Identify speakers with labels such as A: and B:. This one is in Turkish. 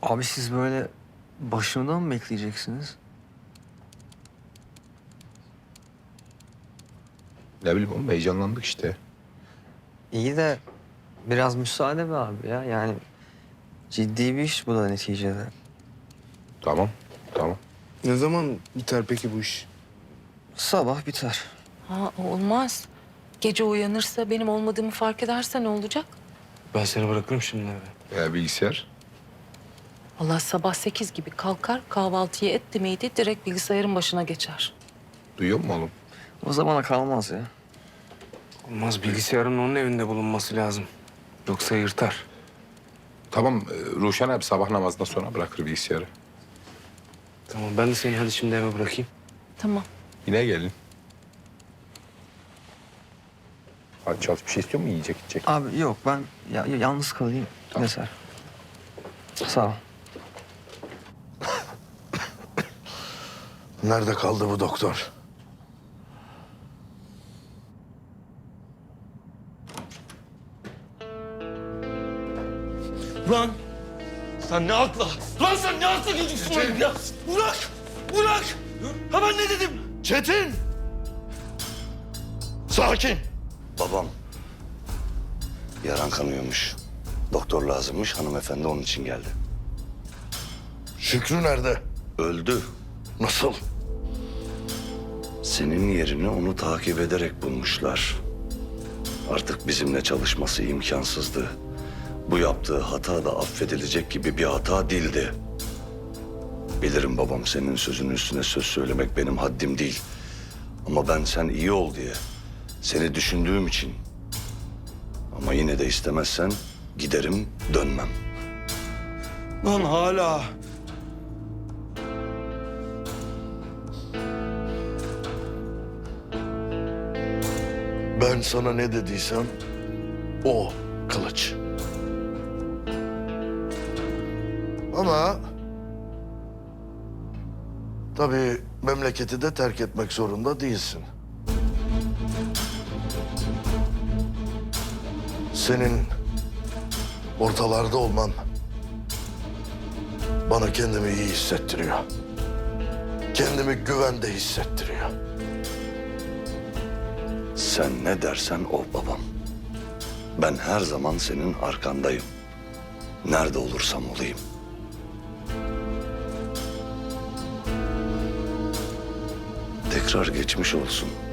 A: Abi siz böyle başımda mı bekleyeceksiniz?
B: Ne bileyim oğlum, heyecanlandık işte.
A: İyi de biraz müsaade be abi ya. Yani ciddi bir iş bu da neticede.
B: Tamam, tamam.
C: Ne zaman biter peki bu iş?
A: Sabah biter.
D: Ha, olmaz. Gece uyanırsa benim olmadığımı fark ederse ne olacak?
C: Ben seni bırakırım şimdi eve.
B: Ya bilgisayar?
D: Allah sabah 8 gibi kalkar, kahvaltıyı etti miydi direkt bilgisayarın başına geçer.
B: Duyuyor musun oğlum?
A: O zamana kalmaz ya.
C: Olmaz, bilgisayarın onun evinde bulunması lazım. Yoksa yırtar.
B: Tamam, Ruşen abi sabah namazından sonra bırakır bilgisayarı.
C: Tamam, ben de seni hadi şimdi eve bırakayım.
D: Tamam.
B: Yine gelin. Hadi çalış, bir şey istiyor mu? Yiyecek, içecek.
A: Abi yok ben yalnız kalayım.
B: Tamam.
A: Yeter. Sağ ol.
E: Nerede kaldı bu doktor?
F: Lan sen ne akla? Lan sen ne akla gidiyorsun lan ya? Bırak! Bırak! Ha ben ne dedim?
E: Çetin! Sakin!
G: Babam yaran kanıyormuş. Doktor lazımmış. Hanımefendi onun için geldi.
E: Şükrü nerede?
G: Öldü.
E: Nasıl?
G: Senin yerini onu takip ederek bulmuşlar. Artık bizimle çalışması imkansızdı. Bu yaptığı hata da affedilecek gibi bir hata değildi. Bilirim babam, senin sözünün üstüne söz söylemek benim haddim değil. Ama ben sen iyi ol diye, seni düşündüğüm için. Ama yine de istemezsen giderim, dönmem.
F: Lan hala.
E: Ben sana ne dediysem o Kılıç. Ama tabii memleketi de terk etmek zorunda değilsin. Senin ortalarda olman bana kendimi iyi hissettiriyor. Kendimi güvende hissettiriyor.
G: Sen ne dersen o babam. Ben her zaman senin arkandayım. Nerede olursam olayım. Tekrar geçmiş olsun.